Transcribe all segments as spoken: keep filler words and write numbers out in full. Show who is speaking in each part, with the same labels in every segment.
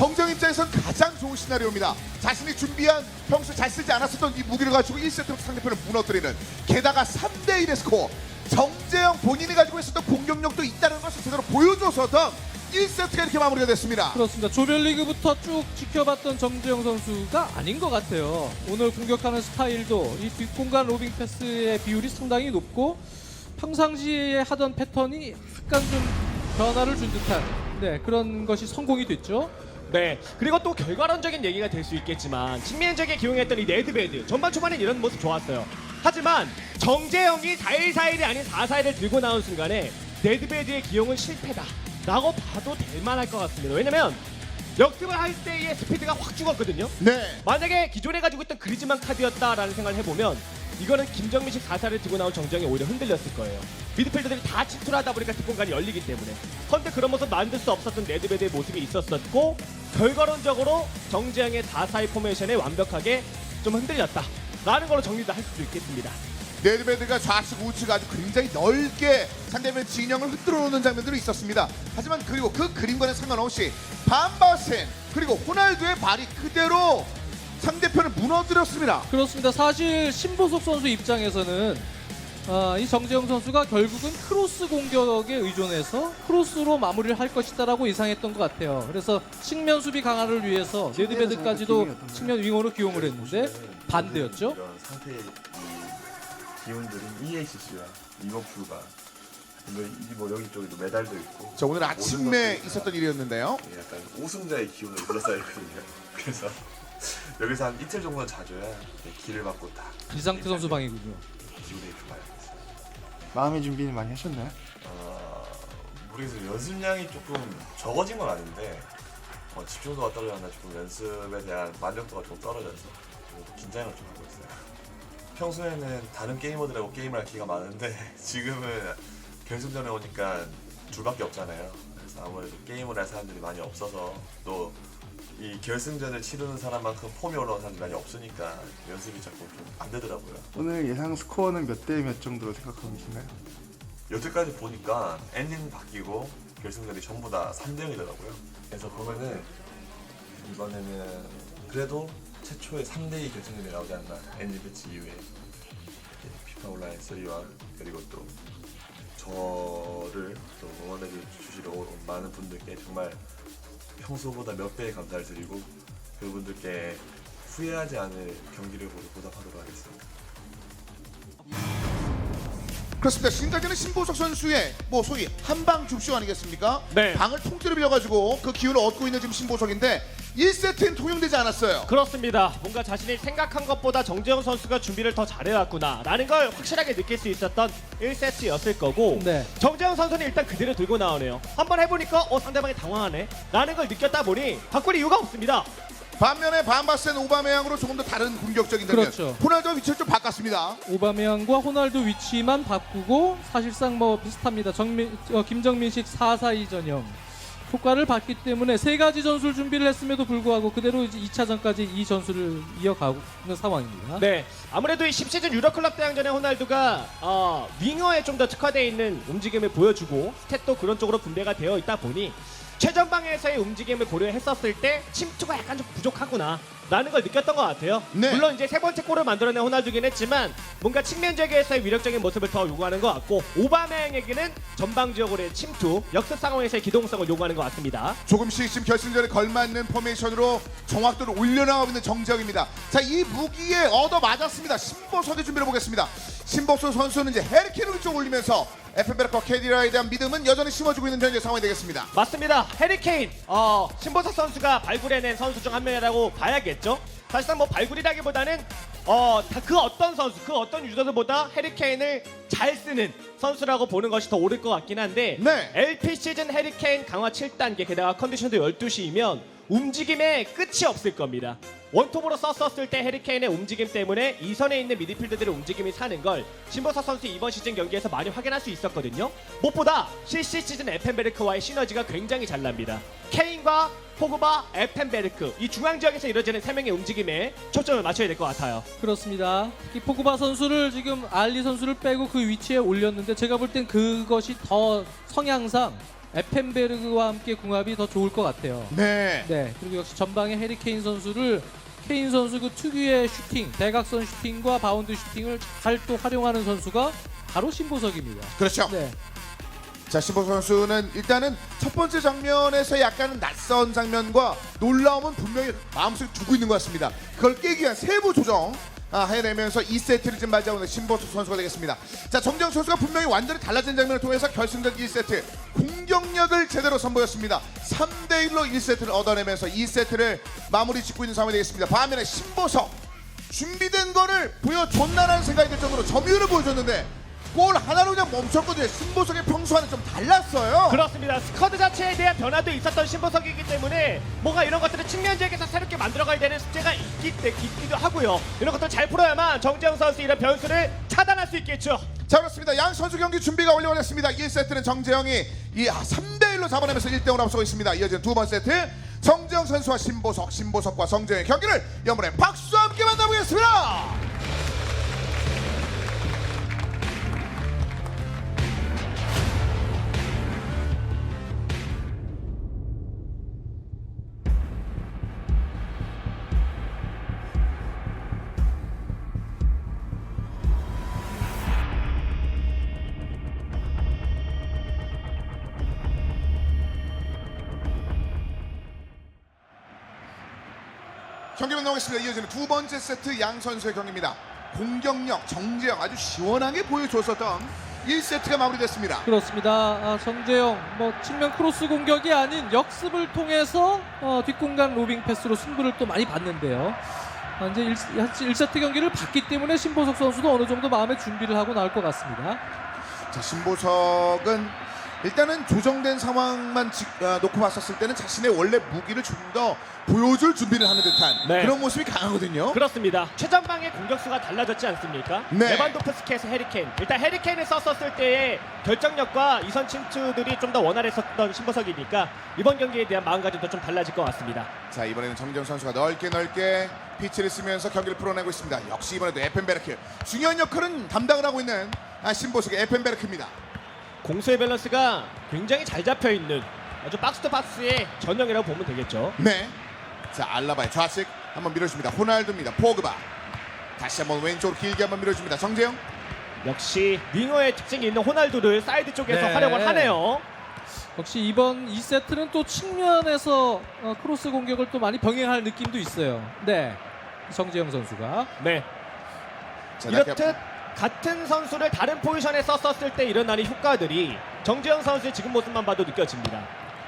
Speaker 1: 정재영 입장에선 가장 좋은 시나리오입니다. 자신이 준비한 평소 잘 쓰지 않았었던 이 무기를 가지고 일 세트로 상대편을 무너뜨리는, 게다가 삼 대 일의 스코어. 정재영 본인이 가지고 있었던 공격력도 있다는 것을 제대로 보여줘서던 일 세트가 이렇게 마무리가 됐습니다.
Speaker 2: 그렇습니다. 조별리그부터 쭉 지켜봤던 정재영 선수가 아닌 것 같아요. 오늘 공격하는 스타일도 이 뒷공간 로빙 패스의 비율이 상당히 높고 평상시에 하던 패턴이 약간 좀 변화를 준 듯한 네, 그런 것이 성공이 됐죠.
Speaker 3: 네, 그리고 또 결과론적인 얘기가 될 수 있겠지만 측면적에 기용했던 이 네드베드 전반 초반엔 이런 모습 좋았어요. 하지만 정재영이 사 일 사 일이 아닌 사 사 일을 들고 나온 순간에 네드베드의 기용은 실패다 라고 봐도 될 만할 것 같습니다. 왜냐면 역습을 할 때의 스피드가 확 죽었거든요.
Speaker 1: 네.
Speaker 3: 만약에 기존에 가지고 있던 그리즈만 카드였다라는 생각을 해보면 이거는 김정민식 사 사를 들고 나온 정재영이 오히려 흔들렸을 거예요. 미드필더들이 다 침투를 하다 보니까 뒷공간이 열리기 때문에. 그런데 그런 모습 만들 수 없었던 네드베드의 모습이 있었었고 결과론적으로 정재영의 사 사의 포메이션에 완벽하게 좀 흔들렸다라는 걸로 정리도 할 수 있겠습니다.
Speaker 1: 네드베드가 좌측 우측 아주 굉장히 넓게 상대편 진영을 흔들어 놓는 장면들이 있었습니다. 하지만 그리고 그 그림과는 상관없이 반바센 그리고 호날두의 발이 그대로 상대편을 무너뜨렸습니다.
Speaker 2: 그렇습니다. 사실 신보석 선수 입장에서는 어, 이 정재영 선수가 결국은 크로스 공격에 의존해서 크로스로 마무리를 할 것이다라고 예상했던 것 같아요. 그래서 측면 수비 강화를 위해서 네드베드까지도 측면 윙어로 기용을 했는데 반대였죠.
Speaker 4: 이런 상태의 이 기운들인 이에이씨씨와 리버풀과 뭐 여기 쪽에도 메달도 있고.
Speaker 1: 자, 오늘 아침에 있었던 일이었는데요.
Speaker 4: 예, 약간 우승자의 기운을 둘러싸여 있거든요. 그래서 여기서 한 이틀 정도는 자줘야 기를 받고 딱
Speaker 2: 이상태 선수 방이군요.
Speaker 4: 기운이 좋아요.
Speaker 5: 마음의 준비는 많이 하셨나요?
Speaker 4: 어, 모르겠어요. 연습량이 조금 적어진 건 아닌데 어, 집중도가 떨어졌나 조금 연습에 대한 만족도가 좀 떨어져서 좀 긴장을 좀 하고 있어요. 평소에는 다른 게이머들하고 게임을 할 기회가 많은데 지금은 결승전에 오니까 둘밖에 없잖아요. 그래서 아무래도 게임을 할 사람들이 많이 없어서 또 이 결승전을 치르는 사람만큼 폼이 올라온 사람들이 많이 없으니까 연습이 자꾸 좀 안 되더라고요.
Speaker 5: 오늘 예상 스코어는 몇 대 몇 정도로 생각하고 계신가요?
Speaker 4: 여태까지 보니까 엔딩 바뀌고 결승전이 전부 다 삼 대 영이더라고요. 그래서 보면은 이번에는 그래도 최초의 삼 대 이 결승전이 나오지 않나. 엔딩 배치 이후에 피파 온라인 삼와 그리고 또 저를 또 응원해 주시러 온 많은 분들께 정말 평소보다 몇 배의 감사를 드리고 그분들께 후회하지 않을 경기를 보답하도록 하겠습니다.
Speaker 1: 그렇습니다. 지금까지는 신보석 선수의 뭐 소위 한방 줍쇼 아니겠습니까?
Speaker 3: 네.
Speaker 1: 방을 통째로 빌려가지고 그 기운을 얻고 있는 지금 신보석인데 일 세트는 통용되지 않았어요.
Speaker 3: 그렇습니다. 뭔가 자신이 생각한 것보다 정재영 선수가 준비를 더 잘해왔구나 라는 걸 확실하게 느낄 수 있었던 일 세트였을 거고
Speaker 2: 네.
Speaker 3: 정재영 선수는 일단 그대로 들고 나오네요. 한번 해보니까 어 상대방이 당황하네 라는 걸 느꼈다 보니 바꿀 이유가 없습니다.
Speaker 1: 반면에 반바센 오바메양으로 조금 더 다른 공격적인 장면.
Speaker 2: 그렇죠.
Speaker 1: 호날두와 위치를 좀 바꿨습니다.
Speaker 2: 오바메양과 호날두 위치만 바꾸고 사실상 뭐 비슷합니다. 정민, 어, 김정민식 사 사 이 전형 효과를 봤기 때문에 세 가지 전술 준비를 했음에도 불구하고 그대로 이제 이 차전까지 이 전술을 이어가고 있는 상황입니다.
Speaker 3: 네, 아무래도 이 십 시즌 유럽클럽 대항전에 호날두가 어, 윙어에 좀 더 특화되어 있는 움직임을 보여주고 스탯도 그런 쪽으로 분배가 되어 있다 보니 최전방에서의 움직임을 고려했었을 때 침투가 약간 좀 부족하구나 라는 걸 느꼈던 것 같아요.
Speaker 1: 네.
Speaker 3: 물론 이제 세 번째 골을 만들어낸 호날두긴 했지만 뭔가 측면적에서의 위력적인 모습을 더 요구하는 것 같고 오바메양에게는 전방 지역으로의 침투, 역습 상황에서의 기동성을 요구하는 것 같습니다.
Speaker 1: 조금씩 지금 결승전에 걸맞는 포메이션으로 정확도를 올려나가고 있는 정재영입니다. 자, 이 무기에 얻어 맞았습니다. 신보석의 준비를 보겠습니다. 신보석 선수는 이제 헤리케인을 위쪽 올리면서 에프엠베르커 캐디라에 대한 믿음은 여전히 심어주고 있는 현재 상황이 되겠습니다.
Speaker 3: 맞습니다. 해리케인, 어, 신보석 선수가 발굴해낸 선수 중 한 명이라고 봐야겠죠. 사실상 뭐 발굴이라기보다는 어, 다 그 어떤 선수, 그 어떤 유저들보다 해리케인을 잘 쓰는 선수라고 보는 것이 더 옳을 것 같긴 한데
Speaker 1: 네.
Speaker 3: 엘피 시즌 해리케인 강화 칠 단계 게다가 컨디션도 열두 시이면 움직임에 끝이 없을 겁니다. 원톱으로 썼었을 때 해리케인의 움직임 때문에 이선에 있는 미드필더들의 움직임이 사는 걸 신보석 선수 이번 시즌 경기에서 많이 확인할 수 있었거든요. 무엇보다 실시 시즌 에펜베르크와의 시너지가 굉장히 잘 납니다. 케인과 포그바, 에펜베르크 이 중앙 지역에서 이루어지는 세 명의 움직임에 초점을 맞춰야 될 것 같아요.
Speaker 2: 그렇습니다. 특히 포그바 선수를 지금 알리 선수를 빼고 그 위치에 올렸는데 제가 볼 땐 그것이 더 성향상 에펜베르그와 함께 궁합이 더 좋을 것 같아요.
Speaker 1: 네.
Speaker 2: 네, 그리고 역시 전방에 해리 케인 선수를 케인 선수 그 특유의 슈팅, 대각선 슈팅과 바운드 슈팅을 잘 또 활용하는 선수가 바로 신보석입니다.
Speaker 1: 그렇죠.
Speaker 2: 네,
Speaker 1: 자, 신보 선수는 일단은 첫 번째 장면에서 약간은 낯선 장면과 놀라움은 분명히 마음속에 두고 있는 것 같습니다. 그걸 깨기 위한 세부 조정 아, 해내면서 이 세트를 지금 맞이하고 있는 신보석 선수가 되겠습니다. 자, 정재영 선수가 분명히 완전히 달라진 장면을 통해서 결승전 일 세트 공격력을 제대로 선보였습니다. 삼 대 일로 일 세트를 얻어내면서 이 세트를 마무리 짓고 있는 상황이 되겠습니다. 반면에 신보석 준비된 거를 보여줬나라는 생각이 들 정도로 점유율을 보여줬는데 골 하나로 그냥 멈췄거든요. 신보석의 평소와는 좀 달랐어요.
Speaker 3: 그렇습니다. 스쿼드 자체에 대한 변화도 있었던 신보석이기 때문에 뭔가 이런 것들을 측면지역에서 새롭게 만들어가야 되는 숙제가 있기, 때, 있기도 하고요. 이런 것들 잘 풀어야만 정재영 선수 이런 변수를 차단할 수 있겠죠.
Speaker 1: 자, 그렇습니다. 양 선수 경기 준비가 완료됐습니다. 일 세트는 정재영이 이 삼 대 일로 잡아내면서 일 대 영으로 앞서고 있습니다. 이어지는 두 번째 세트 정재영 선수와 신보석, 신보석과 정재영의 경기를 여러분의 박수와 함께 만나보겠습니다. 경기만 나오겠습니다. 이어지는 두 번째 세트 양 선수의 경기입니다. 공격력 정재영 아주 시원하게 보여줬었던 일 세트가 마무리됐습니다.
Speaker 2: 그렇습니다. 아, 정재영 뭐 측면 크로스 공격이 아닌 역습을 통해서 어, 뒷공간 로빙 패스로 승부를 또 많이 봤는데요. 아, 이제 일 세트 경기를 봤기 때문에 신보석 선수도 어느 정도 마음의 준비를 하고 나올 것 같습니다.
Speaker 1: 자, 신보석은 일단은 조정된 상황만 지, 아, 놓고 봤었을 때는 자신의 원래 무기를 좀 더 보여줄 준비를 하는 듯한
Speaker 3: 네.
Speaker 1: 그런 모습이 강하거든요.
Speaker 3: 그렇습니다. 최전방의 공격수가 달라졌지 않습니까?
Speaker 1: 네.
Speaker 3: 레반도프스키에서 해리케인. 일단 해리케인을 썼었을 때의 결정력과 이선 침투들이 좀 더 원활했었던 신보석이니까 이번 경기에 대한 마음가짐도 좀 달라질 것 같습니다.
Speaker 1: 자, 이번에는 정재영 선수가 넓게 넓게 피치를 쓰면서 경기를 풀어내고 있습니다. 역시 이번에도 에펜베르크 중요한 역할은 담당을 하고 있는 아, 신보석의 에펜베르크입니다.
Speaker 3: 공수의 밸런스가 굉장히 잘 잡혀있는 아주 박스 투 박스의 전형이라고 보면 되겠죠.
Speaker 1: 네. 자, 알라바의 좌측 한번 밀어줍니다. 호날두입니다. 포그바 다시 한번 왼쪽으로 길게 한번 밀어줍니다. 정재영.
Speaker 3: 역시 윙어의 특징이 있는 호날두를 사이드 쪽에서
Speaker 2: 네.
Speaker 3: 활용을 하네요.
Speaker 2: 역시 이번 이 세트는 또 측면에서 어, 크로스 공격을 또 많이 병행할 느낌도 있어요. 네, 정재영 선수가.
Speaker 3: 네.
Speaker 1: 자,
Speaker 3: 이렇듯 같은 선수를 다른 포지션에 썼었을 때 일어나는 효과들이 정재영 선수의 지금 모습만 봐도 느껴집니다.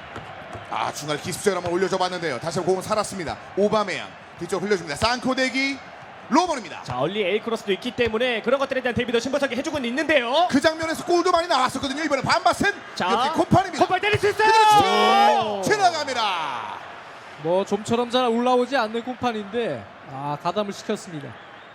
Speaker 1: 아, 중간 기습적으로 한번 올려줘 봤는데요. 다시 한번 공은 살았습니다. 오바메양 뒤쪽 흘려줍니다. 산코대기 로먼입니다.
Speaker 3: 자, 얼리 에이 크로스도 있기 때문에 그런 것들에 대한 대비도 신보석이 해주고는 있는데요.
Speaker 1: 그 장면에서 골도 많이 나왔었거든요. 이번에 반바센
Speaker 3: 자,
Speaker 1: 콤판입니다.
Speaker 3: 콤판 때릴 수 있어요.
Speaker 1: 그렇죠. 지나갑니다.
Speaker 2: 뭐 좀처럼 잘 올라오지 않는 공판인데 아, 가담을 시켰습니다.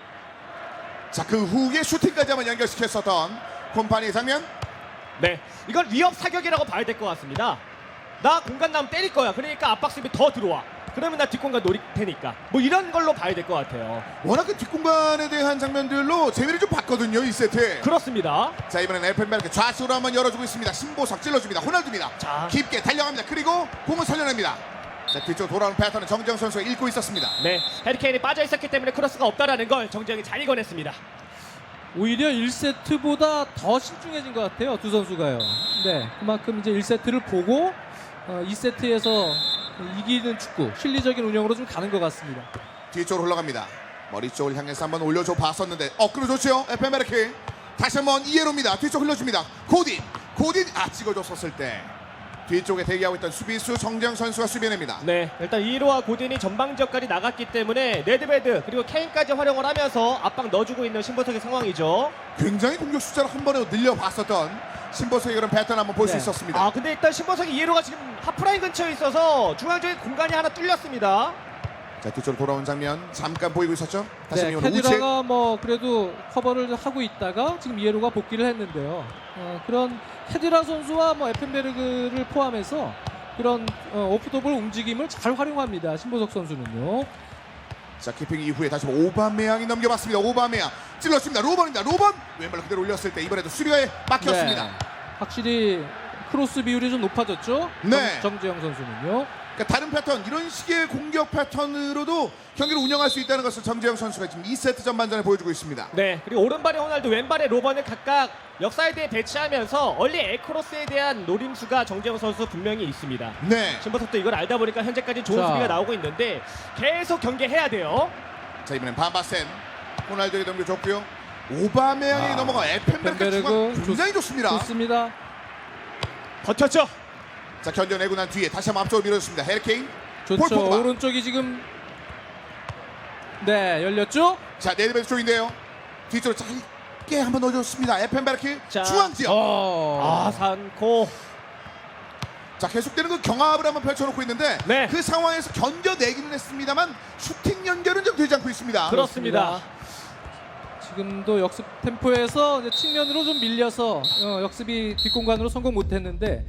Speaker 1: 자, 그 후에 슈팅까지 한번 연결시켰었던 콤판의 장면.
Speaker 3: 네, 이건 위협 사격이라고 봐야 될 것 같습니다. 나 공간 나면 때릴 거야. 그러니까 압박 수비 더 들어와. 그러면 나 뒷공간 노릴 테니까. 뭐 이런 걸로 봐야 될 것 같아요.
Speaker 1: 워낙 그 뒷공간에 대한 장면들로 재미를 좀 봤거든요. 이 세트.
Speaker 3: 그렇습니다.
Speaker 1: 자, 이번엔 에펜베르크 좌측으로 한번 열어주고 있습니다. 신보석 찔러줍니다. 호날두입니다.
Speaker 3: 자.
Speaker 1: 깊게 달려갑니다. 그리고 공을 살려냅니다. 자, 뒤쪽 돌아오는 패턴은 정재영 선수가 읽고 있었습니다.
Speaker 3: 네, 해리케인이 빠져 있었기 때문에 크로스가 없다라는 걸 정재영이 잘 읽어냈습니다.
Speaker 2: 오히려 일 세트보다 더 신중해진 것 같아요, 두 선수가요. 네, 그만큼 이제 일 세트를 보고 어, 이 세트에서 이기는 축구, 실리적인 운영으로 좀 가는 것 같습니다.
Speaker 1: 뒤쪽으로 흘러갑니다. 머리 쪽을 향해서 한번 올려줘 봤었는데 어, 끌어줬죠. 에펜베르크 다시 한번 이에로입니다. 뒤쪽 흘려줍니다. 고딘 고딘 아, 찍어줬었을 때 뒤쪽에 대기하고 있던 수비수 정재영 선수가 수비해냅니다.
Speaker 3: 네, 일단 이로와 고딘이 전방 지역까지 나갔기 때문에 네드베드 그리고 케인까지 활용을 하면서 압박 넣어주고 있는 신보석의 상황이죠.
Speaker 1: 굉장히 공격 숫자를 한 번에 늘려봤었던 신보석의 그런 패턴 한번 볼 수
Speaker 2: 네.
Speaker 1: 있었습니다.
Speaker 3: 아, 근데 일단 신보석이 이로가 지금 하프라인 근처에 있어서 중앙 쪽에 공간이 하나 뚫렸습니다.
Speaker 1: 자, 뒤쪽으로 돌아온 장면 잠깐 보이고 있었죠. 다시
Speaker 2: 네,
Speaker 1: 한번 우측.
Speaker 2: 캐디라가 뭐 그래도 커버를 하고 있다가 지금 이에로가 복귀를 했는데요. 어, 그런 캐디라 선수와 뭐 에펜베르그를 포함해서 그런 어, 오프더볼 움직임을 잘 활용합니다. 신보석 선수는요.
Speaker 1: 자, 키핑 이후에 다시 한번 오바메양이 넘겨봤습니다. 오바메양 찔렀습니다. 로번입니다. 로번 왼발 그대로 올렸을 때 이번에도 수비에 막혔습니다.
Speaker 2: 네, 확실히 크로스 비율이 좀 높아졌죠.
Speaker 1: 네.
Speaker 2: 정, 정재영 선수는요.
Speaker 1: 그러니까 다른 패턴, 이런 식의 공격 패턴으로도 경기를 운영할 수 있다는 것을 정재영 선수가 지금 이 세트 전반전에 보여주고 있습니다.
Speaker 3: 네, 그리고 오른발에 호날두, 왼발에 로번을 각각 역사이드에 배치하면서 얼리 에크로스에 대한 노림수가 정재영 선수 분명히 있습니다.
Speaker 1: 네.
Speaker 3: 신보석도 이걸 알다 보니까 현재까지 좋은
Speaker 2: 자.
Speaker 3: 수비가 나오고 있는데 계속 경계해야 돼요.
Speaker 1: 자, 이번엔 반바센 호날두에게 넘겨줬고요. 오바메양이
Speaker 2: 아,
Speaker 1: 넘어가 에펜베르크
Speaker 2: 에펜베르크
Speaker 1: 중앙 굉장히 좋습니다.
Speaker 2: 좋습니다.
Speaker 3: 버텼죠?
Speaker 1: 자, 견뎌내고 난 뒤에 다시 한번 앞쪽으로 밀어줬습니다. 해리케인. 폴
Speaker 2: 좋죠.
Speaker 1: 포그바.
Speaker 2: 오른쪽이 지금 네 열렸죠.
Speaker 1: 자, 네드베드 쪽인데요. 뒤쪽으로 짧게 한번 넣어줬습니다. 에펜베르크
Speaker 3: 자.
Speaker 1: 중앙 지역.
Speaker 2: 어.
Speaker 3: 아, 산코.
Speaker 1: 자, 계속되는 그 경합을 한번 펼쳐놓고 있는데
Speaker 3: 네.
Speaker 1: 그 상황에서 견뎌내기는 했습니다만 슈팅 연결은 좀 되지 않고 있습니다.
Speaker 3: 그렇습니다.
Speaker 2: 지금도 역습 템포에서 이제 측면으로 좀 밀려서 어, 역습이 뒷공간으로 성공 못했는데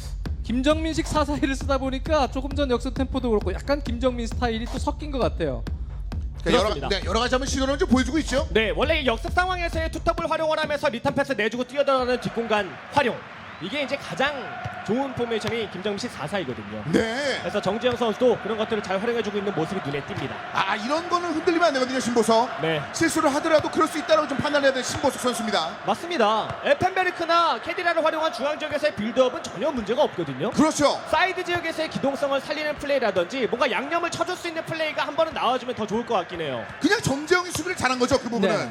Speaker 2: 김정민식 사사이를 쓰다 보니까 조금 전 역습 템포도 그렇고 약간 김정민 스타일이 또 섞인 것 같아요.
Speaker 1: 그러니까 여러,
Speaker 3: 그렇습니다.
Speaker 1: 네, 여러 가지 한번 시도를 좀 보여주고 있죠.
Speaker 3: 네, 원래 이 역습 상황에서의 투톱을 활용을 하면서 리턴 패스 내주고 뛰어들어가는 뒷공간 활용. 이게 이제 가장 좋은 포메이션이 김정민식 사사이거든요.
Speaker 1: 네.
Speaker 3: 그래서 정재영 선수도 그런 것들을 잘 활용해주고 있는 모습이 눈에 띕니다.
Speaker 1: 아, 이런 거는 흔들리면 안 되거든요, 신보석.
Speaker 3: 네,
Speaker 1: 실수를 하더라도 그럴 수 있다고 좀 판단해야 되는 신보석 선수입니다.
Speaker 3: 맞습니다. 에펜베르크나 캐디라를 활용한 중앙 지역에서의 빌드업은 전혀 문제가 없거든요.
Speaker 1: 그렇죠.
Speaker 3: 사이드 지역에서의 기동성을 살리는 플레이라든지 뭔가 양념을 쳐줄 수 있는 플레이가 한 번은 나와주면 더 좋을 것 같긴 해요.
Speaker 1: 그냥 정재영이 수비를 잘한 거죠, 그 부분은.
Speaker 2: 네.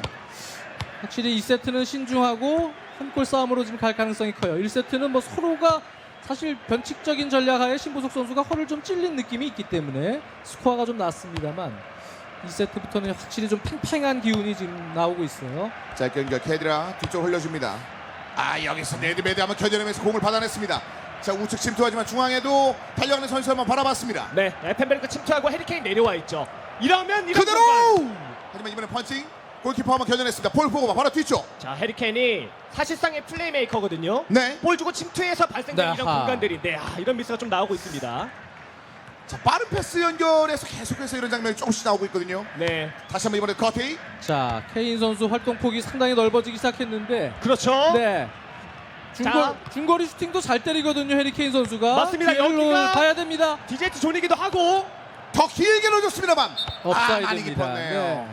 Speaker 2: 확실히 이 세트는 신중하고 한 골 싸움으로 지금 갈 가능성이 커요. 일 세트는 뭐 서로가 사실 변칙적인 전략하에 신보석 선수가 허를 좀 찔린 느낌이 있기 때문에 스코어가 좀 났습니다만 이 세트부터는 확실히 좀 팽팽한 기운이 지금 나오고 있어요.
Speaker 1: 짧게 연결 캐드라 뒤쪽 흘려줍니다. 아, 여기서 네드베드 한번 견뎌내면서 공을 받아냈습니다. 자, 우측 침투하지만 중앙에도 달려가는 선수 한번 바라봤습니다.
Speaker 3: 네, 에펜베르크 침투하고 해리케인 내려와 있죠. 이러면 이런
Speaker 1: 그대로!
Speaker 3: 공간.
Speaker 1: 하지만 이번에 펀칭 골키퍼 한번 견뎌냈습니다. 폴 포그바 바로 뒤쪽.
Speaker 3: 자, 해리케인이 사실상의 플레이메이커거든요.
Speaker 1: 네.
Speaker 3: 볼 주고 침투해서 발생된
Speaker 2: 네,
Speaker 3: 이런
Speaker 2: 아하.
Speaker 3: 공간들인데 아, 이런 미스가 좀 나오고 있습니다.
Speaker 1: 자, 빠른 패스 연결에서 계속해서 이런 장면이 조금씩 나오고 있거든요.
Speaker 3: 네,
Speaker 1: 다시 한번 이번에 커티.
Speaker 2: 자, 케인 선수 활동폭이 상당히 넓어지기 시작했는데
Speaker 3: 그렇죠.
Speaker 2: 네. 중거,
Speaker 3: 자.
Speaker 2: 중거리 슈팅도 잘 때리거든요, 해리케인 선수가.
Speaker 3: 맞습니다.
Speaker 2: 뒤로
Speaker 3: 여기가-
Speaker 2: 가야 됩니다.
Speaker 3: 디제트 존이기도 하고
Speaker 1: 더 길게 넣어줬습니다만. 아, 많이
Speaker 2: 업사이드입니다.
Speaker 1: 깊었네요.
Speaker 2: 네.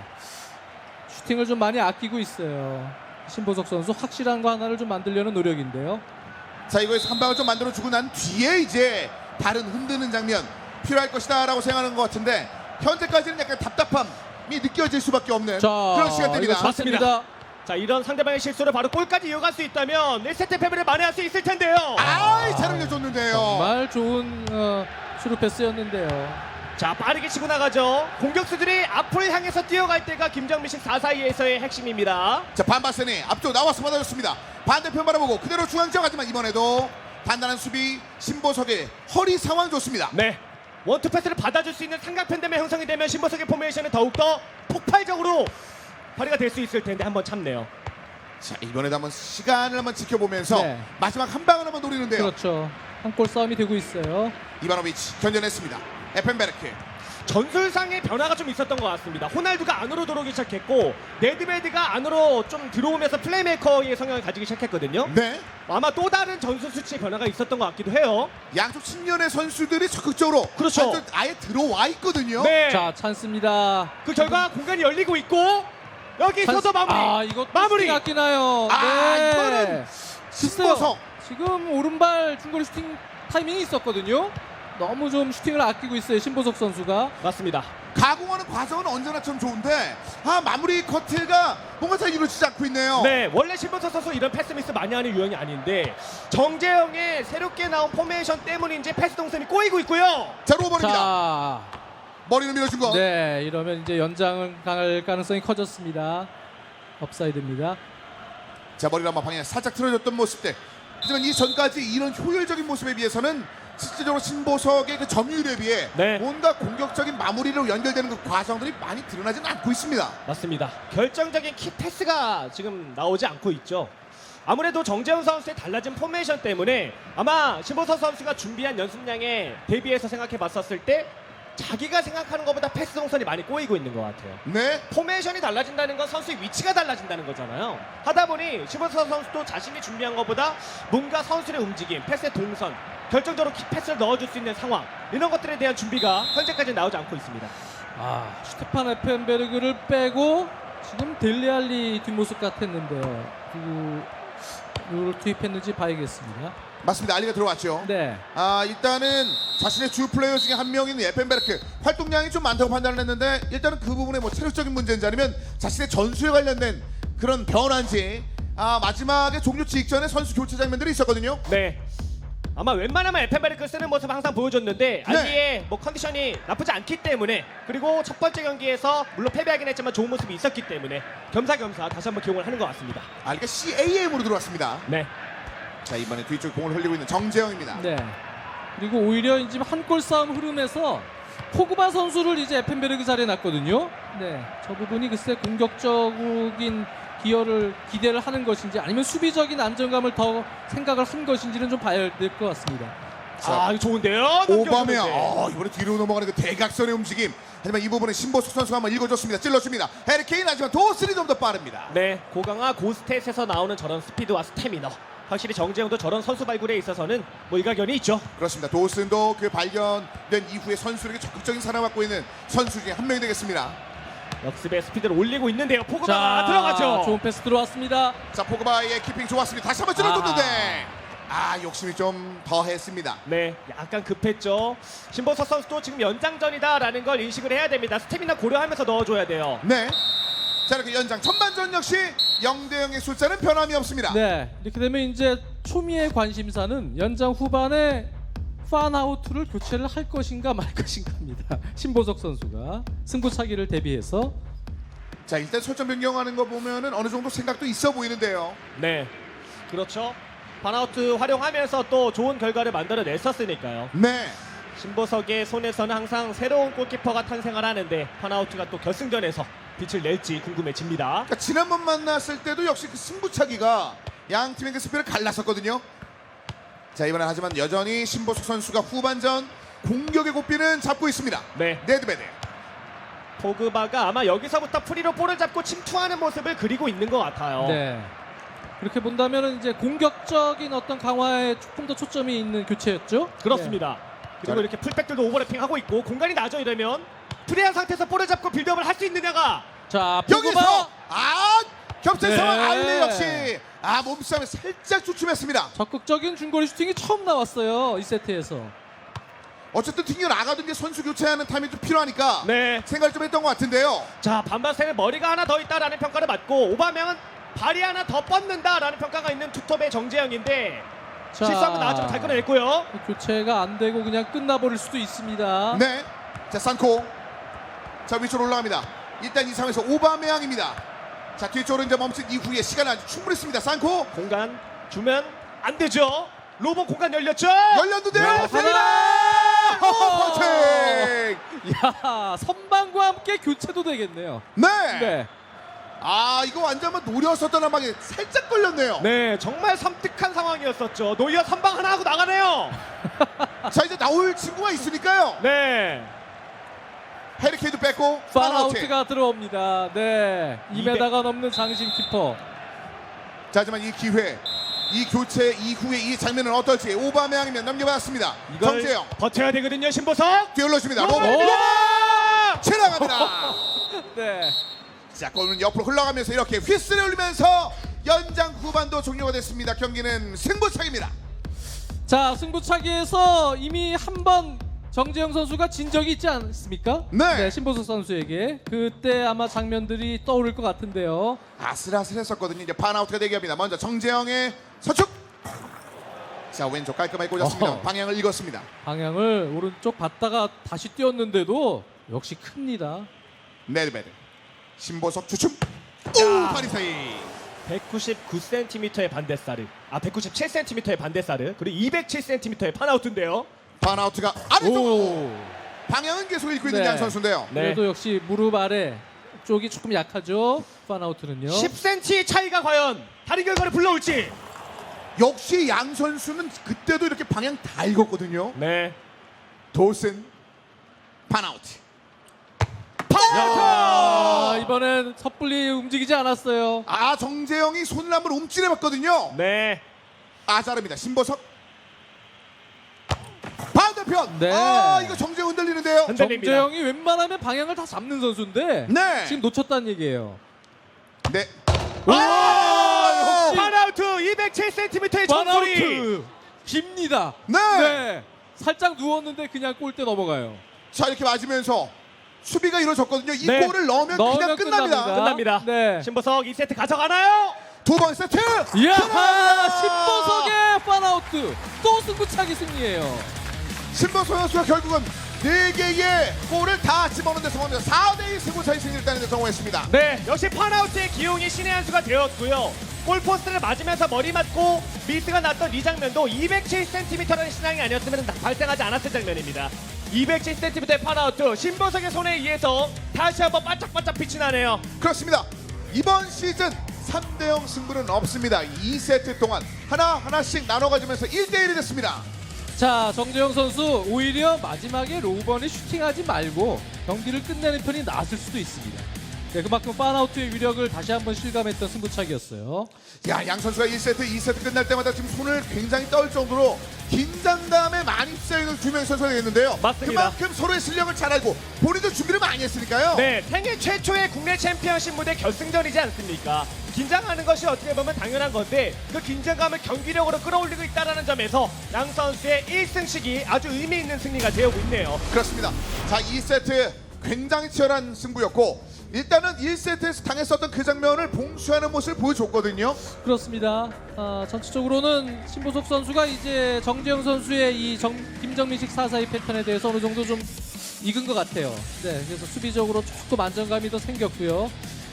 Speaker 2: 슈팅을 좀 많이 아끼고 있어요. 신보석 선수 확실한 거 하나를 좀 만들려는 노력인데요.
Speaker 1: 자, 이거에서 한 방을 좀 만들어주고 난 뒤에 이제 다른 흔드는 장면 필요할 것이다 라고 생각하는 것 같은데 현재까지는 약간 답답함이 느껴질 수밖에 없는
Speaker 2: 자,
Speaker 1: 그런 시간대입니다.
Speaker 2: 이거 좋습니다.
Speaker 3: 자, 이런 상대방의 실수를 바로 골까지 이어갈 수 있다면 일 세트 패배를 만회할 수 있을 텐데요.
Speaker 1: 아이, 잘 흘려줬는데요.
Speaker 2: 정말 좋은 어, 수루 패스였는데요.
Speaker 3: 자, 빠르게 치고 나가죠. 공격수들이 앞을 향해서 뛰어갈 때가 김정민식 사사이에서의 핵심입니다.
Speaker 1: 자, 반바센이 앞쪽 나와서 받아줬습니다. 반대편 바라보고 그대로 중앙 지역하지만 이번에도 단단한 수비 신보석의 허리 상황 좋습니다.
Speaker 3: 네, 원투 패스를 받아줄 수 있는 삼각편대면 형성이 되면 신보석의 포메이션은 더욱더 폭발적으로 발휘가 될 수 있을 텐데 한번 참네요.
Speaker 1: 자, 이번에도 한번 시간을 한번 지켜보면서
Speaker 2: 네.
Speaker 1: 마지막 한 방을 한번 노리는데요.
Speaker 2: 그렇죠. 한 골 싸움이 되고 있어요.
Speaker 1: 이바노비치 견뎌냈습니다. 에펜베르크.
Speaker 3: 전술상의 변화가 좀 있었던 것 같습니다. 호날두가 안으로 들어오기 시작했고 네드베드가 안으로 좀 들어오면서 플레이메이커의 성향을 가지기 시작했거든요.
Speaker 1: 네.
Speaker 3: 아마 또 다른 전술 수치의 변화가 있었던 것 같기도 해요.
Speaker 1: 양쪽 측면의 선수들이 적극적으로
Speaker 3: 그렇죠.
Speaker 1: 완전 아예 들어와 있거든요.
Speaker 3: 네.
Speaker 2: 자, 찬스입니다.
Speaker 3: 그 결과 공간이 열리고 있고 여기서도
Speaker 2: 찬스-
Speaker 3: 마무리.
Speaker 2: 아, 이것도
Speaker 3: 마무리.
Speaker 2: 슈팅 아끼나요.
Speaker 1: 아,
Speaker 2: 네.
Speaker 1: 이거는
Speaker 2: 글쎄요.
Speaker 1: 신보석.
Speaker 2: 지금 오른발 중거리 슈팅 타이밍이 있었거든요. 너무 좀 슈팅을 아끼고 있어요, 신보석 선수가.
Speaker 3: 맞습니다.
Speaker 1: 가공하는 과정은 언제나 참 좋은데 아, 마무리 커트가 뭔가 잘 이루어지지 않고 있네요.
Speaker 3: 네, 원래 신보석 선수 이런 패스 미스 많이 하는 유형이 아닌데 정재영의 새롭게 나온 포메이션 때문인지 패스 동선이 꼬이고 있고요.
Speaker 1: 자, 로버입니다.
Speaker 2: 자,
Speaker 1: 머리를 밀어준 거.
Speaker 2: 네, 이러면 이제 연장을 갈 가능성이 커졌습니다. 업사이드입니다.
Speaker 1: 자, 머리를 한번 방향 살짝 틀어줬던 모습들. 하지만 이 전까지 이런 효율적인 모습에 비해서는 실질적으로 신보석의 그 점유율에 비해
Speaker 3: 네.
Speaker 1: 뭔가 공격적인 마무리로 연결되는 그 과정들이 많이 드러나지는 않고 있습니다.
Speaker 3: 맞습니다. 결정적인 키 패스가 지금 나오지 않고 있죠. 아무래도 정재훈 선수의 달라진 포메이션 때문에 아마 신보석 선수가 준비한 연습량에 대비해서 생각해 봤었을 때 자기가 생각하는 것보다 패스 동선이 많이 꼬이고 있는 것 같아요.
Speaker 1: 네.
Speaker 3: 포메이션이 달라진다는 건 선수의 위치가 달라진다는 거잖아요. 하다 보니 심보석 선수도 자신이 준비한 것보다 뭔가 선수의 움직임, 패스의 동선, 결정적으로 키 패스를 넣어줄 수 있는 상황, 이런 것들에 대한 준비가 현재까지 나오지 않고 있습니다.
Speaker 2: 아, 슈테판 에펜베르그를 빼고 지금 델리알리 뒷모습 같았는데요. 누구를 투입했는지 봐야겠습니다.
Speaker 1: 맞습니다. 알리가 들어왔죠.
Speaker 2: 네.
Speaker 1: 아 일단은 자신의 주 플레이어 중에 한 명인 에펜베르크 활동량이 좀 많다고 판단을 했는데 일단은 그 부분에 뭐 체력적인 문제인지 아니면 자신의 전술에 관련된 그런 변화인지 아 마지막에 종료 직전에 선수 교체 장면들이 있었거든요.
Speaker 3: 네. 아마 웬만하면 에펜베르크 쓰는 모습 항상 보여줬는데 알리의 뭐 컨디션이 나쁘지 않기 때문에, 그리고 첫 번째 경기에서 물론 패배하긴 했지만 좋은 모습이 있었기 때문에 겸사겸사 다시 한번 기용을 하는 것 같습니다.
Speaker 1: 알리가 씨에이엠으로 들어왔습니다.
Speaker 3: 네.
Speaker 1: 자 이번에 뒤쪽 공을 흘리고 있는 정재영입니다.
Speaker 2: 네. 그리고 오히려 이제 한 골 싸움 흐름에서 포그바 선수를 이제 에펜베르그 자리에 놨거든요. 네. 저 부분이 글쎄 공격적인 기여를 기대를 하는 것인지 아니면 수비적인 안정감을 더 생각을 한 것인지는 좀 봐야 될 것 같습니다.
Speaker 3: 아, 이거 좋은데요?
Speaker 1: 오바메
Speaker 3: 넘겨주는데.
Speaker 1: 아, 이번에 뒤로 넘어가는 그 대각선의 움직임. 하지만 이 부분은 신보숙 선수가 한번 읽어줬습니다. 찔러줍니다. 해리케인 하지만 도스리 좀 더 빠릅니다.
Speaker 3: 네, 고강화 고스탯에서 나오는 저런 스피드와 스태미너, 확실히 정재영도 저런 선수 발굴에 있어서는 뭐 일가견이 있죠.
Speaker 1: 그렇습니다. 도슨도 그 발견된 이후에 선수에게 적극적인 사랑받고 있는 선수 중에 한 명이 되겠습니다.
Speaker 3: 역습의 스피드를 올리고 있는데요. 포그바가 들어가죠.
Speaker 2: 좋은 패스 들어왔습니다.
Speaker 1: 자 포그바의 키핑 좋았습니다. 다시 한번 찔러줬는데 아 욕심이 좀 더했습니다.
Speaker 3: 네, 약간 급했죠. 신보석 선수도 지금 연장전이다라는 걸 인식을 해야 됩니다. 스태미나 고려하면서 넣어줘야 돼요.
Speaker 1: 네. 자 이렇게 연장 전반전 역시 영 대 영의 숫자는 변함이 없습니다.
Speaker 2: 네. 이렇게 되면 이제 초미의 관심사는 연장 후반에 판아웃을 교체를 할 것인가 말 것인가입니다. 신보석 선수가 승부차기를 대비해서
Speaker 1: 자 일단 설정 변경하는 거 보면은 어느 정도 생각도 있어 보이는데요.
Speaker 3: 네, 그렇죠. 반아웃 활용하면서 또 좋은 결과를 만들어냈었으니까요.
Speaker 1: 네.
Speaker 3: 신보석의 손에서는 항상 새로운 골키퍼가 탄생을 하는데 판아웃가 또 결승전에서 빛을 낼지 궁금해집니다.
Speaker 1: 그러니까 지난번 만났을 때도 역시 그 승부차기가 양 팀의 그 스피를 갈랐었거든요. 자 이번엔 하지만 여전히 신보숙 선수가 후반전 공격의 고삐는 잡고 있습니다.
Speaker 3: 네,
Speaker 1: 네드베드.
Speaker 3: 포그바가 아마 여기서부터 프리로 볼을 잡고 침투하는 모습을 그리고 있는 것 같아요.
Speaker 2: 네. 그렇게 본다면은 이제 공격적인 어떤 강화에 조금 더 초점이 있는 교체였죠.
Speaker 3: 그렇습니다. 그리고
Speaker 1: 자,
Speaker 3: 이렇게 풀백들도 오버래핑 하고 있고 공간이 나죠. 이러면 프리한 상태에서 볼을 잡고 빌드업을 할 수 있느냐가.
Speaker 2: 자,
Speaker 1: 여기서
Speaker 2: 포그바
Speaker 1: 아 겹친
Speaker 2: 네.
Speaker 1: 상황 알리 역시 아 몸싸움에 살짝 주춤했습니다.
Speaker 2: 적극적인 중거리 슈팅이 처음 나왔어요. 이 세트에서.
Speaker 1: 어쨌든 튕겨 나가던 게 선수 교체하는 타임이 좀 필요하니까
Speaker 3: 네.
Speaker 1: 생각을 좀 했던 것 같은데요.
Speaker 3: 자, 반바스에는 머리가 하나 더 있다라는 평가를 받고 오바명은 발이 하나 더 뻗는다라는 평가가 있는 투톱의 정재영인데
Speaker 2: 자,
Speaker 3: 실수하면 나왔지만 잘 끊어냈고요.
Speaker 2: 교체가 안 되고 그냥 끝나버릴 수도 있습니다.
Speaker 1: 네. 자 산코. 자 위쪽으로 올라갑니다. 일단 이 상황에서 오바메양입니다. 자 뒤쪽으로 이제 멈춘 이후에 시간은 아주 충분했습니다. 산코
Speaker 3: 공간 주면 안 되죠. 로봇 공간 열렸죠.
Speaker 1: 열렸는데요.
Speaker 2: 네,
Speaker 1: 세리나 오, 퍼팅.
Speaker 2: 야, 선방과 함께 교체도 되겠네요.
Speaker 1: 네.
Speaker 2: 네.
Speaker 1: 아 이거 완전 막 노렸었던 한 방에 살짝 걸렸네요.
Speaker 3: 네, 정말 섬뜩한 상황이었었죠. 노이어 선방 하나 하고 나가네요.
Speaker 1: 자 이제 나올 친구가 있으니까요.
Speaker 3: 네.
Speaker 1: 해리케인도 뺐고 파나우트.
Speaker 2: 판아웃가 들어옵니다. 네. 이 미터가 넘는 장신 키퍼.
Speaker 1: 자 하지만 이 기회 이 교체 이후에 이 장면은 어떨지 오바메양이면 넘겨받았습니다.
Speaker 3: 이걸
Speaker 1: 정재영
Speaker 3: 버텨야 되거든요, 신보석.
Speaker 1: 뛰어올려줍니다.
Speaker 3: 로봇!
Speaker 1: 로봇
Speaker 3: 로봇!
Speaker 1: 지나갑니다.
Speaker 2: 네.
Speaker 1: 자 골은 옆으로 흘러가면서 이렇게 휘슬을 울리면서 연장 후반도 종료가 됐습니다. 경기는 승부차기입니다.
Speaker 2: 자, 승부차기에서 이미 한 번 정재영 선수가 진 적이 있지 않습니까?
Speaker 1: 네.
Speaker 2: 신보석 선수에게 그때 아마 장면들이 떠오를 것 같은데요.
Speaker 1: 아슬아슬했었거든요. 이제 파나우트가 대기합니다. 먼저 정재영의 서축. 자 왼쪽 깔끔하게 꽂았습니다.
Speaker 2: 어허.
Speaker 1: 방향을 읽었습니다.
Speaker 2: 방향을 오른쪽 봤다가 다시 뛰었는데도 역시 큽니다.
Speaker 1: 네드베드 신보석 주춤. 오 파리사이.
Speaker 3: 백구십구 센티미터의 반대사르, 아 백구십칠 센티미터의 반대사르, 그리고 이백칠 센티미터의 판아웃인데요.
Speaker 1: 파나우트가 아래쪽.
Speaker 2: 오.
Speaker 1: 방향은 계속 읽고 있는
Speaker 2: 네.
Speaker 1: 양 선수인데요.
Speaker 3: 네.
Speaker 2: 그래도 역시 무릎 아래 쪽이 조금 약하죠. 판아웃은요.
Speaker 3: 십 센티미터 차이가 과연 다른 결과를 불러올지.
Speaker 1: 역시 양 선수는 그때도 이렇게 방향 다 읽었거든요.
Speaker 3: 네.
Speaker 1: 도슨 판아웃.
Speaker 2: 야, 이번엔 섣불리 움직이지 않았어요.
Speaker 1: 아, 정재영이 손을 한번 움찔해봤거든요.
Speaker 3: 네.
Speaker 1: 아자르입니다. 신보석. 반대편.
Speaker 2: 네.
Speaker 1: 아, 이거 정재영 흔들리는데요.
Speaker 3: 흔들립니다.
Speaker 2: 정재영이 웬만하면 방향을 다 잡는 선수인데
Speaker 1: 네.
Speaker 2: 지금 놓쳤다는 얘기예요.
Speaker 1: 네.
Speaker 2: 아, 역시
Speaker 3: 파나우트 이백칠 센티미터의 점소리.
Speaker 2: 파나우트 깁니다.
Speaker 1: 네.
Speaker 2: 살짝 누웠는데 그냥 골대 넘어가요.
Speaker 1: 자, 이렇게 맞으면서 수비가 이루어졌거든요. 이
Speaker 3: 네.
Speaker 1: 골을 넣으면,
Speaker 2: 넣으면
Speaker 1: 그냥 끝납니다.
Speaker 2: 끝납니다.
Speaker 3: 끝납니다.
Speaker 2: 네.
Speaker 3: 신보석 이 세트 가져가나요?
Speaker 1: 두 번 세트.
Speaker 2: 이야,
Speaker 1: 하나!
Speaker 2: 신보석의 파나우트 또 승부차기 승리예요.
Speaker 1: 신보석 선수가 결국은 네 개의 골을 다 집어넣는 데 성공합니다. 사 대 이 승부차이 승리를 따는 데 성공했습니다.
Speaker 3: 네, 역시 파나우트의 기용이 신의 한 수가 되었고요. 골포스트를 맞으면서 머리 맞고 미스가 났던 이 장면도 이백칠 센티미터라는 신앙이 아니었으면 발생하지 않았을 장면입니다. 이백칠 센티미터의 파나우트, 신보석의 손에 의해서 다시 한번 반짝반짝 빛이 나네요.
Speaker 1: 그렇습니다. 이번 시즌 삼 대 영 승부는 없습니다. 이 세트 동안 하나하나씩 나눠가지면서 일 대 일이 됐습니다.
Speaker 2: 자, 정재영 선수 오히려 마지막에 로우번이 슈팅하지 말고 경기를 끝내는 편이 나았을 수도 있습니다. 네, 그만큼 파나우트의 위력을 다시 한번 실감했던 승부차기였어요.
Speaker 1: 야, 양 선수가 일 세트, 이 세트 끝날 때마다 지금 손을 굉장히 떨 정도로 긴장감에 많이 휩싸이는 두 명의 선수가 되겠는데요.
Speaker 3: 맞습니다.
Speaker 1: 그만큼 서로의 실력을 잘 알고 본인도 준비를 많이 했으니까요.
Speaker 3: 네, 생애 최초의 국내 챔피언십 무대 결승전이지 않습니까? 긴장하는 것이 어떻게 보면 당연한 건데 그 긴장감을 경기력으로 끌어올리고 있다는 점에서 양 선수의 일 승씩이 아주 의미 있는 승리가 되어오고 있네요.
Speaker 1: 그렇습니다. 자, 이 세트 굉장히 치열한 승부였고 일단은 일 세트에서 당했었던 그 장면을 봉쇄하는 모습을 보여줬거든요.
Speaker 2: 그렇습니다. 아, 전체적으로는 신보석 선수가 이제 정재영 선수의 이 정, 김정민식 사사이 패턴에 대해서 어느 정도 좀 익은 것 같아요. 네, 그래서 수비적으로 조금 안정감이 더 생겼고요.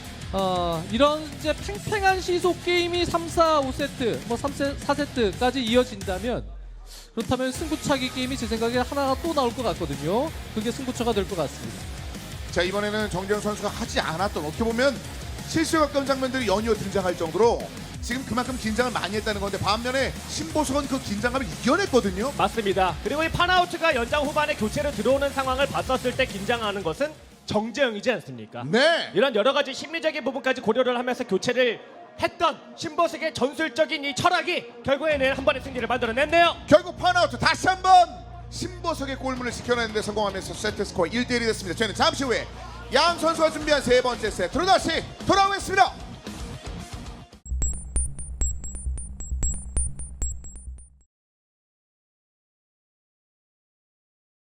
Speaker 2: 어, 이런 이제 팽팽한 시속 게임이 삼, 사, 오 세트, 뭐 삼 세, 사 세트까지 이어진다면 그렇다면 승부차기 게임이 제 생각에 하나가 또 나올 것 같거든요. 그게 승부처가 될 것 같습니다.
Speaker 1: 자, 이번에는 정재영 선수가 하지 않았던 어떻게 보면 실수에 가까운 장면들이 연이어 등장할 정도로 지금 그만큼 긴장을 많이 했다는 건데 반면에 신보석은 그 긴장감을 이겨냈거든요.
Speaker 3: 맞습니다. 그리고 이 파나우트가 연장 후반에 교체로 들어오는 상황을 봤었을 때 긴장하는 것은 정재영이지 않습니까?
Speaker 1: 네.
Speaker 3: 이런 여러 가지 심리적인 부분까지 고려를 하면서 교체를 했던 신보석의 전술적인 이 철학이 결국에는 한 번의 승리를 만들어냈네요.
Speaker 1: 결국 파나우트 다시 한번 신보석의 골문을 지켜내는 데 성공하면서 세트 스코어 일 대 일이 됐습니다. 저희는 잠시 후에 양 선수가 준비한 세 번째 세트로 다시 돌아오겠습니다.